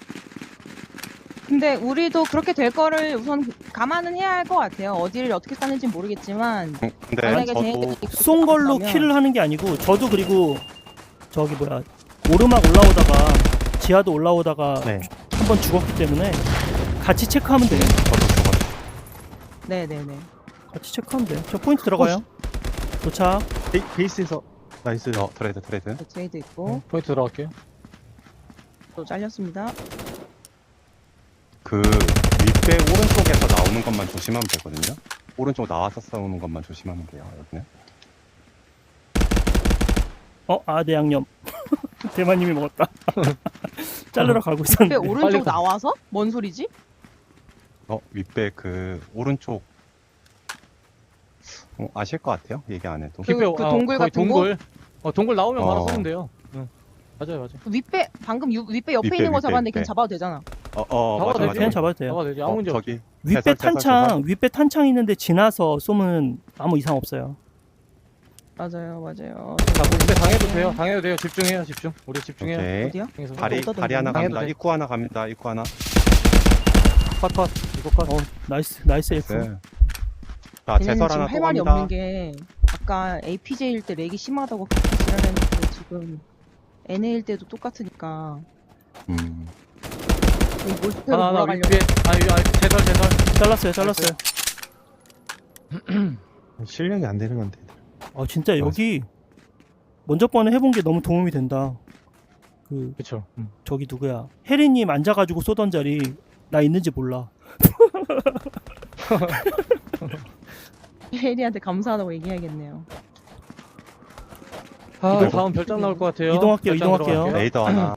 Speaker 8: 근데 우리도 그렇게 될 거를 우선 감안은 해야 할 것 같아요. 어디를 어떻게 싸는지 모르겠지만
Speaker 2: 음, 근데
Speaker 8: 만약에
Speaker 2: 저도
Speaker 8: 쟤네들이
Speaker 4: 쏜 걸로
Speaker 8: 그러면-
Speaker 4: 킬을 하는 게 아니고, 저도 그리고 저기 뭐야, 오르막 올라오다가, 지하도 올라오다가
Speaker 3: 네.
Speaker 4: 한 번 죽었기 때문에 같이 체크하면 돼요.
Speaker 2: 저도 죽었어.
Speaker 8: 네네네.
Speaker 4: 같이 체크하면 돼요. 저 포인트 들어가요. 도착.
Speaker 3: 베, 베이스에서 나이스.
Speaker 2: 어 트레이드 트레이드.
Speaker 8: 트레이드 있고
Speaker 7: 포인트 들어갈게요.
Speaker 8: 또 잘렸습니다.
Speaker 2: 그 윗배 오른쪽에서 나오는 것만 조심하면 되거든요. 오른쪽 나와서 싸우는 것만 조심하면 돼요. 여기는.
Speaker 4: 어, 아, 내 양념. 대만님이 먹었다. 자르러 가고
Speaker 8: 왜
Speaker 4: 있었는데.
Speaker 8: 오른쪽
Speaker 7: 빨리 가.
Speaker 8: 나와서? 뭔 소리지?
Speaker 2: 어 윗배 그 오른쪽. 어, 아실 것 같아요. 얘기 안 해도.
Speaker 8: 그-
Speaker 7: 킥배우,
Speaker 8: 그
Speaker 7: 아,
Speaker 8: 동굴
Speaker 7: 거의
Speaker 8: 같은
Speaker 7: 동굴. 어, 동굴 나오면 바로
Speaker 2: 어.
Speaker 7: 쏘면 돼요. 응. 맞아요, 맞아요.
Speaker 8: 윗배 방금 유, 윗배 옆에
Speaker 2: 윗배,
Speaker 8: 있는 거
Speaker 2: 윗배,
Speaker 8: 잡았는데
Speaker 2: 윗배.
Speaker 8: 그냥 잡아도 되잖아.
Speaker 2: 어, 어
Speaker 7: 잡아도
Speaker 2: 맞아
Speaker 7: 되지.
Speaker 2: 맞아.
Speaker 4: 그냥 잡아도 돼요.
Speaker 7: 잡아도 되지. 아무
Speaker 2: 어,
Speaker 7: 문제 없어.
Speaker 2: 저기
Speaker 4: 윗배
Speaker 2: 해설, 해설,
Speaker 4: 탄창,
Speaker 2: 해설.
Speaker 4: 윗배 탄창 있는데 지나서 쏘면 아무 이상 없어요.
Speaker 8: 맞아요, 맞아요.
Speaker 7: 자, 뭐 근데 당해도 돼요. 당해도 돼요. 집중해요, 집중. 우리 집중해요.
Speaker 2: 오케이.
Speaker 8: 어디요?
Speaker 7: 당해서.
Speaker 2: 다리
Speaker 8: 어디다
Speaker 2: 다리 하나
Speaker 8: 던졌나?
Speaker 2: 갑니다.
Speaker 7: 당해도 돼.
Speaker 2: 입구 하나 갑니다. 입구 하나.
Speaker 7: 컷, 컷. 이거 컷.
Speaker 4: 어, 나이스, 나이스 F.
Speaker 2: 네. 자
Speaker 8: 걔네는
Speaker 2: 제설
Speaker 8: 지금
Speaker 2: 하나
Speaker 8: 할
Speaker 2: 또
Speaker 8: 말이
Speaker 2: 갑니다.
Speaker 8: 없는 게 아까 에이피제이일 때 렉이 심하다고 그렇게 지랄했는데 지금 엔에이일 때도 똑같으니까
Speaker 2: 음.
Speaker 8: 몰스페로
Speaker 7: 하나, 하나,
Speaker 8: 몰아가려고.
Speaker 7: 윗배. 아, 위- 아, 제설, 제설.
Speaker 4: 잘랐어요, 잘랐어요.
Speaker 3: 실력이 안 되는 건데.
Speaker 4: 아, 진짜 여기 먼저 번에 해본 게 너무 도움이 된다. 그,
Speaker 7: 그쵸. 음.
Speaker 4: 저기 누구야. 혜리님 앉아가지고 쏘던 자리 나 있는지 몰라.
Speaker 8: 혜리한테 감사하다고 얘기해야겠네요.
Speaker 7: 아,
Speaker 2: 이동-
Speaker 7: 다음 별장 나올 것 같아요.
Speaker 4: 이동할게요,
Speaker 7: 별장
Speaker 4: 이동할게요.
Speaker 7: 들어갈게요.
Speaker 2: 레이더 하나.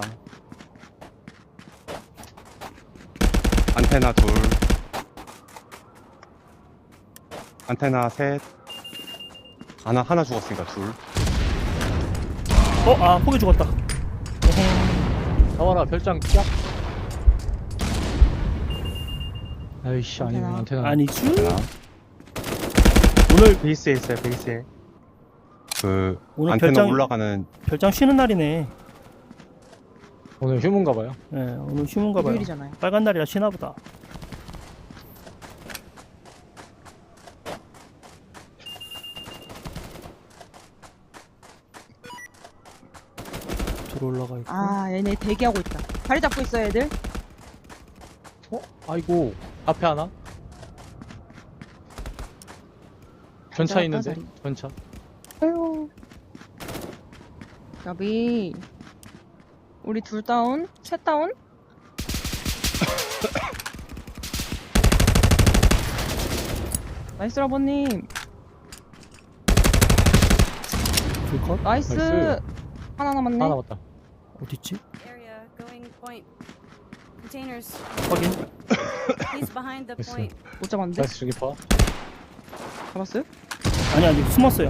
Speaker 2: 안테나 둘. 안테나 셋. 하나 하나 죽었으니까 둘.
Speaker 4: 어, 아, 포기 죽었다.
Speaker 7: 나와라, 별장 쫙. 아이씨, 아니,
Speaker 8: 안테나.
Speaker 7: 안테나.
Speaker 4: 아니죠?
Speaker 2: 하나.
Speaker 4: 오늘
Speaker 3: 베이스에 있어요. 베이스에.
Speaker 2: 그
Speaker 4: 오늘
Speaker 2: 안테나
Speaker 4: 별장
Speaker 2: 올라가는
Speaker 4: 별장 쉬는 날이네.
Speaker 7: 오늘 휴문가 봐요.
Speaker 4: 예, 오늘 휴문가 봐요.
Speaker 8: 일요일이잖아요.
Speaker 4: 빨간 날이라 쉬나 보다. 들어 올라가 있고.
Speaker 8: 아, 얘네 대기하고 있다. 다리 잡고 있어, 애들.
Speaker 7: 어? 아이고 앞에 하나? 전차
Speaker 8: 잡았다,
Speaker 7: 있는데?
Speaker 8: 다리.
Speaker 7: 전차.
Speaker 8: 아유. 야비. 우리 둘 다운? 셋 다운? 나이스 라버님.
Speaker 4: 불컷?
Speaker 8: 나이스.
Speaker 7: 나이스.
Speaker 8: 하나 남았네.
Speaker 7: 하나 남았다.
Speaker 4: 어딨지?
Speaker 6: Area going point. Containers.
Speaker 4: 확인.
Speaker 6: He's behind the
Speaker 7: Yes,
Speaker 6: point.
Speaker 8: 못 잡았는데?
Speaker 7: 나이스 주기파.
Speaker 8: 잡았어요?
Speaker 4: 아니 아니 숨었어요.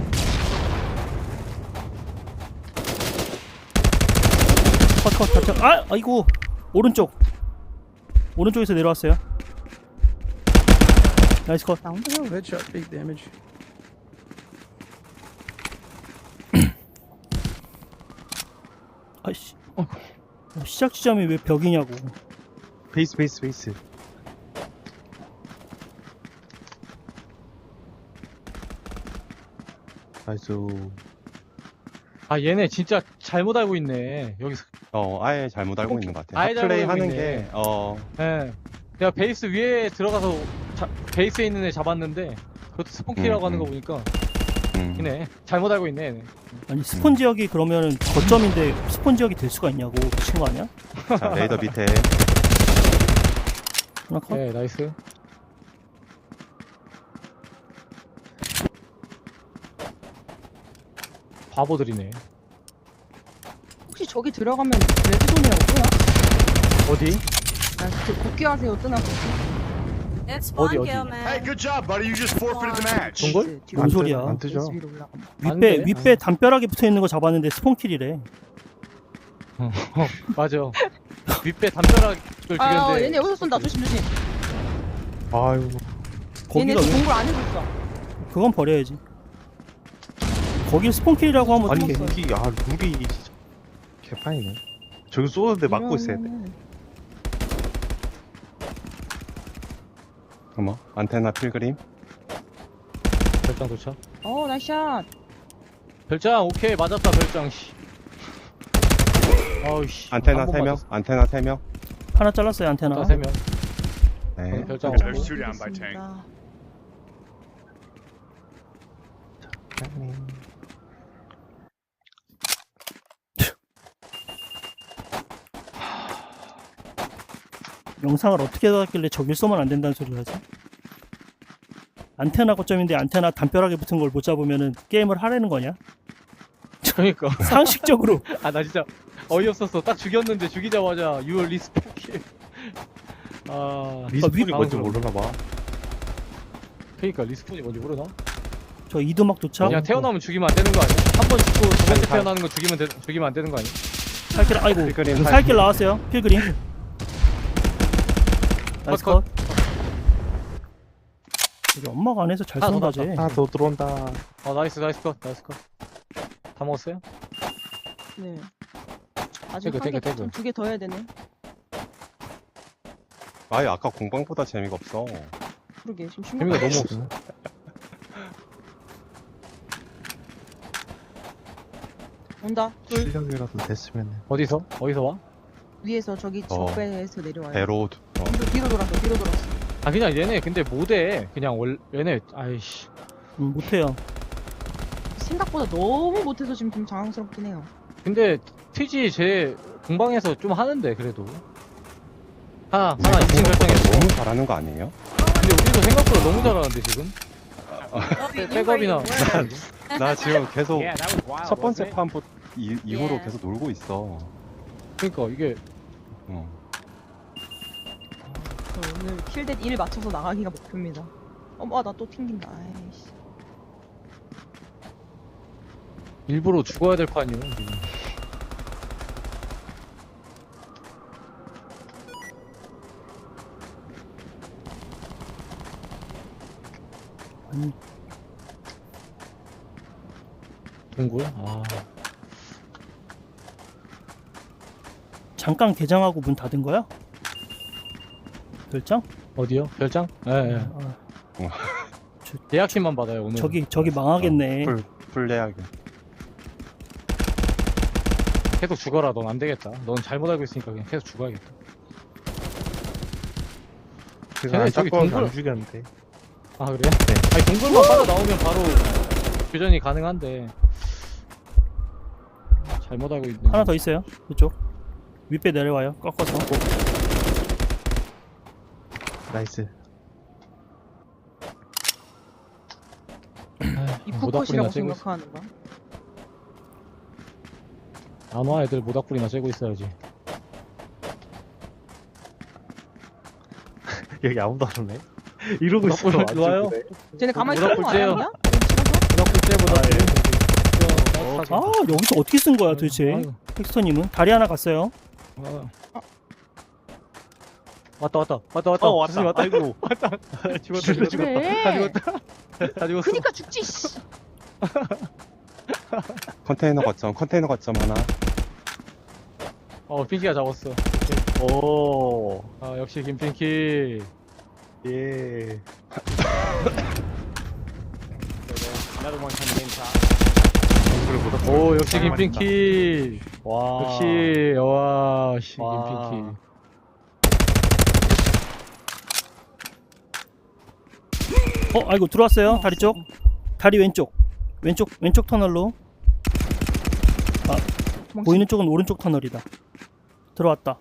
Speaker 4: 컷컷 컷. 아 아이고 오른쪽. 오른쪽에서 내려왔어요. 나이스 컷.
Speaker 8: 다운.
Speaker 9: Headshot, big damage.
Speaker 4: 아이씨. 어, 시작 지점이 왜 벽이냐고.
Speaker 3: 베이스 베이스 베이스. 나이스.
Speaker 7: 아 얘네 진짜 잘못 알고 있네. 여기서.
Speaker 2: 어 아예 잘못 알고 있는 것 같아요.
Speaker 7: 아예 잘못
Speaker 2: 플레이
Speaker 7: 알고
Speaker 2: 하는
Speaker 7: 있네.
Speaker 2: 게 어
Speaker 7: 예. 내가 베이스 위에 들어가서 자, 베이스에 있는 애 잡았는데 그것도 스폰키라고
Speaker 2: 음,
Speaker 7: 하는 거
Speaker 2: 음.
Speaker 7: 보니까
Speaker 2: 음.
Speaker 7: 이네 잘못 알고 있네 얘네.
Speaker 4: 아니 스폰 지역이 그러면은 거점인데 스폰 지역이 될 수가 있냐고 미친 거 아니야?
Speaker 2: 자, 레이더 밑에
Speaker 4: 하나 컷.
Speaker 7: 네 나이스. 바보들이네.
Speaker 8: 혹시 저기 들어가면 레드존이라고 뜨나?
Speaker 7: 어디?
Speaker 8: 아, 그 복귀하세요 뜨나?
Speaker 6: It's
Speaker 7: 어디,
Speaker 6: spawn
Speaker 7: 어디?
Speaker 6: kill,
Speaker 5: Hey,
Speaker 6: man.
Speaker 5: good job, buddy. You just forfeited the match.
Speaker 7: 동굴?
Speaker 8: 뒤로
Speaker 4: 뭔 소리야?
Speaker 3: 안 뜨죠.
Speaker 8: 베이스 위로 올라가면.
Speaker 7: 안
Speaker 4: 윗배
Speaker 7: 돼.
Speaker 4: 윗배 담벼락에 붙어 있는 거 잡았는데 스폰킬이래.
Speaker 7: 맞아. 윗배 담벼락을
Speaker 8: 아,
Speaker 7: 죽였는데.
Speaker 8: 얘네 여기서 쏜다. 조심 조심.
Speaker 3: 아유.
Speaker 8: 얘네
Speaker 4: 거기가
Speaker 8: 지금
Speaker 4: 왜?
Speaker 8: 동굴 안에 있어.
Speaker 4: 그건 버려야지. 거길 스폰킬이라고 하면
Speaker 3: 아니
Speaker 4: 어떡해.
Speaker 3: 룩이 아 룩이 진짜 개판이네. 저기 쏘는데 막고 있어야 돼.
Speaker 8: 이러면은
Speaker 2: 어머 안테나 필그림
Speaker 7: 별장 도착.
Speaker 8: 어, 나이스 샷.
Speaker 7: 별장 오케이 맞았다 별장. 씨. 아우씨.
Speaker 2: 안테나
Speaker 7: 한번
Speaker 2: 세 명
Speaker 7: 맞았어.
Speaker 2: 안테나 세 명.
Speaker 4: 하나 잘랐어요 안테나.
Speaker 7: 다 세 명.
Speaker 2: 네.
Speaker 7: 별장
Speaker 5: There's
Speaker 7: 없고.
Speaker 5: two down by tank.
Speaker 8: 알겠습니다.
Speaker 4: 영상을 어떻게 받았길래 저길 쏘면 안 된다는 소리를 하지? 안테나 거점인데 안테나 담벼락에 붙은 걸 못 잡으면은 게임을 하라는 거냐?
Speaker 7: 그러니까.
Speaker 4: 상식적으로.
Speaker 7: 아 나 진짜 어이없었어. 딱 죽였는데 죽이자마자 유얼 리스폰킬. 아.
Speaker 3: 리스폰이
Speaker 4: 아,
Speaker 3: 뭔지
Speaker 7: 위-
Speaker 3: 모르나 봐.
Speaker 7: 그러니까 리스폰이 뭔지 모르나?
Speaker 4: 저 이두막 도착.
Speaker 7: 그냥 태어나면 죽이면 안 되는 거 아니야? 한 번 죽고 두 번째 태어나는 거 죽이면 되, 죽이면 안 되는 거 아니야?
Speaker 4: 살길 아이고
Speaker 2: 필그림
Speaker 4: 살길 나왔어요. 필그림. 나이스
Speaker 7: 컷,
Speaker 4: 컷. 여기 엄마가 안에서 잘
Speaker 7: 하나 더
Speaker 4: 쏜다 쟤.
Speaker 3: 하나 더 들어온다.
Speaker 7: 어 나이스 나이스 컷 나이스 컷. 다 먹었어요?
Speaker 8: 네. 아직
Speaker 7: 태그, 태그, 태그.
Speaker 8: 한개두 개 더 해야 되네.
Speaker 2: 아예 아까 공방보다 재미가 없어.
Speaker 8: 그러게 지금
Speaker 7: 재미가
Speaker 8: 심각해.
Speaker 7: 너무 없어.
Speaker 8: 온다. 둘
Speaker 3: 실력이라도 됐으면.
Speaker 7: 어디서? 어디서 와?
Speaker 8: 위에서 저기
Speaker 2: 어.
Speaker 8: 적배에서 내려와요.
Speaker 2: 배로 어,
Speaker 8: 뒤로, 뒤로 돌았어. 뒤로 돌았어.
Speaker 7: 아 그냥 얘네 근데 못해. 그냥 월 얘네 아이씨.
Speaker 4: 음, 못해요.
Speaker 8: 생각보다 너무 못해서 지금 좀 당황스럽긴 해요.
Speaker 7: 근데 티지 제 공방에서 좀 하는데 그래도 하나 하나 이 층 결정했어.
Speaker 2: 너무 잘하는 거 아니에요?
Speaker 7: 근데 우리도 생각보다 너무 잘하는데 지금.
Speaker 6: Oh, you- you
Speaker 7: 백업이나.
Speaker 6: were- were-
Speaker 2: 나 지금 계속
Speaker 5: Yeah, that was wild.
Speaker 2: 첫 번째
Speaker 5: wasn't it?
Speaker 2: 판부 이- 이후로
Speaker 6: Yeah.
Speaker 2: 계속 놀고 있어.
Speaker 7: 그러니까 이게
Speaker 2: 어.
Speaker 8: 저 오늘 킬댓 일 맞춰서 나가기가 목표입니다. 어머, 나 또 튕긴다. 아이씨.
Speaker 7: 일부러 죽어야 될 판이에요. 지금.
Speaker 4: 아니
Speaker 7: 동굴? 아,
Speaker 4: 잠깐 개장하고 문 닫은 거야? 별장?
Speaker 7: 어디요? 별장? 예, 예.
Speaker 4: 아,
Speaker 7: 예약팀만 받아요, 오늘.
Speaker 4: 저기 저기 망하겠네.
Speaker 2: 풀, 풀레하게.
Speaker 7: 계속 죽어라, 넌 안 되겠다. 넌 잘못 알고 있으니까 그냥 계속 죽어야겠다.
Speaker 3: 그래서
Speaker 7: 쟤네
Speaker 3: 안
Speaker 7: 저기
Speaker 3: 잡고
Speaker 7: 동굴-
Speaker 3: 안 죽였는데.
Speaker 7: 아, 그래요? 아니, 동굴만 빠져나오면 바로 교전이 가능한데. 잘못 알고 있는.
Speaker 4: 하나 더 있어요. 이쪽 윗배 내려와요. 꺾어서.
Speaker 3: 나이스.
Speaker 8: 입구
Speaker 7: 모닥불이나
Speaker 8: 컷이라고
Speaker 7: 쬐고 있어.
Speaker 8: 생각하는가?
Speaker 7: 안 와, 애들 모닥불이나 쬐고 있어야지.
Speaker 3: 여기 아무도 안 오네. 이러고 있어.
Speaker 7: 모닥불
Speaker 3: 안
Speaker 7: 좋아요?
Speaker 3: 죽이네.
Speaker 8: 쟤네 가만히
Speaker 7: 모닥불
Speaker 8: 있는 거
Speaker 7: 쬐요.
Speaker 8: 아니야?
Speaker 7: 모닥불 쬐, 모닥불.
Speaker 4: 아 여기서 어떻게 쓴 거야 도대체?
Speaker 7: 아이고.
Speaker 4: 텍스터님은 다리 하나 갔어요.
Speaker 7: 아. 왔다, 왔다, 왔다, 왔다.
Speaker 3: 어 왔다.
Speaker 7: 조심히 왔다.
Speaker 3: 아이고. 왔다. 죽었다 죽었다.
Speaker 8: 그래.
Speaker 7: 다 죽었다. 다 죽었어.
Speaker 8: 그니까 죽지. 씨.
Speaker 2: 컨테이너 거점, 컨테이너 거점 하나.
Speaker 7: 어, 핑키가 잡았어.
Speaker 3: 오.
Speaker 7: 아, 역시 김핑키.
Speaker 3: 예.
Speaker 1: Another one coming in top.
Speaker 7: 오, 역시 김핑키.
Speaker 3: 와.
Speaker 7: 역시, 와, 씨,
Speaker 3: 와.
Speaker 7: 김핑키.
Speaker 4: 어 아이고 들어왔어요. 다리 쪽. 다리 왼쪽. 왼쪽 왼쪽 터널로. 보이는 쪽은 오른쪽 터널이다. 들어왔다.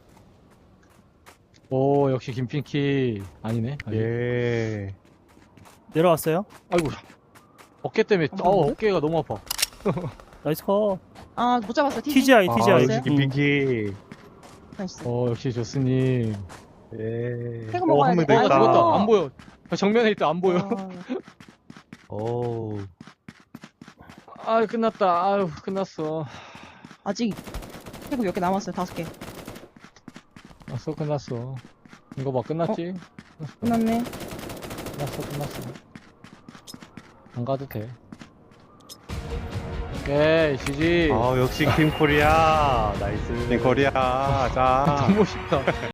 Speaker 7: 오, 역시 김핑키. 아니네. 아니.
Speaker 3: 예.
Speaker 4: 내려왔어요.
Speaker 7: 아이고. 어깨 때문에,
Speaker 8: 한 번
Speaker 7: 어,
Speaker 8: 더?
Speaker 7: 어깨가 너무 아파.
Speaker 4: 나이스 컷.
Speaker 8: 아, 못 잡았어. 티지.
Speaker 4: 티지아이
Speaker 3: 아,
Speaker 4: 티지아이.
Speaker 3: 역시 김핑키.
Speaker 8: 나이스.
Speaker 7: 어, 역시 조스님.
Speaker 3: 예.
Speaker 8: 태그
Speaker 3: 오,
Speaker 8: 먹어야
Speaker 3: 한 명
Speaker 8: 돼.
Speaker 3: 더
Speaker 7: 아,
Speaker 3: 있다.
Speaker 7: 죽었다. 안 보여. 정면에 있다. 안 보여.
Speaker 8: 아,
Speaker 3: 오.
Speaker 7: 아, 끝났다. 아유, 끝났어.
Speaker 8: 아직 태그 몇 개 남았어요. 다섯 개.
Speaker 7: 끝났어, 끝났어. 이거 봐, 끝났지?
Speaker 8: 끝났네.
Speaker 7: 끝났어, 끝났어. 안 가도 돼. 오케이, 지지.
Speaker 3: 아 역시 팀 코리아. 나이스.
Speaker 2: 네, 코리아, 자.
Speaker 7: 너무 쉽다.